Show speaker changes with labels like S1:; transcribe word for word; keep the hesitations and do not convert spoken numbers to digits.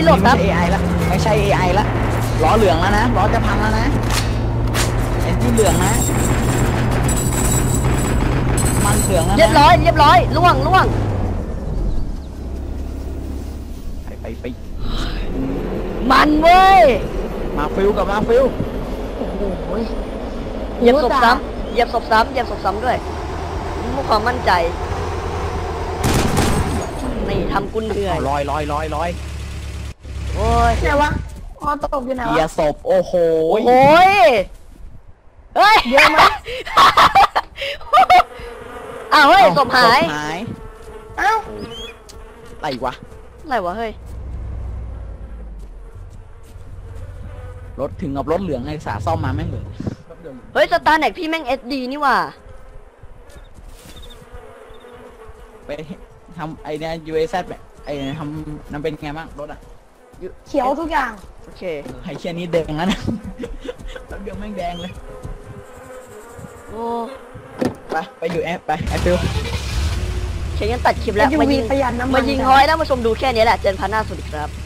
S1: โหลดครับ
S2: ไม่ใช่ เอ ไอ ละไม่ใช่ เอ ไอ ละล้อเหลืองแล้วนะล้อจะพังแล้วนะเอ็นที่เหลืองนะมันเหลืองแล้วนะ
S1: เรียบร้อยเรียบร้อยล่วงล่วง
S2: ไปไปไป
S1: มันเว้ย
S2: มาฟิลกับมาฟิล
S3: โอ้โห
S1: เหยียบศพซ้ำเหยียบศพซ้ำเหยียบศพซ้ำด้วยมีความมั่นใจนี่ทำกุนเหนื่อย
S2: ลอยลอยลอยลอย
S1: โอ้ย
S3: ไหนวะอ๋อตกอยู่ไหน
S2: เกียว
S3: ะ
S2: ศพโอ้โห
S1: โอ้ยเฮ้ย
S3: เยอะไหม
S1: อ้าวเฮ้ยศพหาย
S2: หาย
S3: เอ้า
S2: อะไรวะ
S1: อะไรวะเฮ้ย
S2: รถถึงกับรถเหลืองไอ้สาซ่อมมาแม่งเหลือง
S1: เฮ้ยสตาร์แน็กพี่แม่งเอสดีนี่ว่ะ
S2: ไปทำไอเนี้ย ยู เอ แซด แบบไอทำนั่นเป็นไงบ้างรถอ่ะ
S3: เขียวทุกอย่าง
S1: โอเค
S2: ไอเชียนี้แดงแล้วนะรถเดียวแม่งแดงเลย
S1: โอ้
S2: ไปไปอยู่แอปไปแอปฟิล
S1: เขียนตัดคลิปแล้ว
S3: ยู
S1: มา
S3: วี
S1: ยิง
S3: ประหยัดน้ำมัน
S1: มายิง
S3: จ้ะ
S1: ห้อยแล้วมาชมดูแค่นี้แหละเจนพันหน้าสวัสดีครับ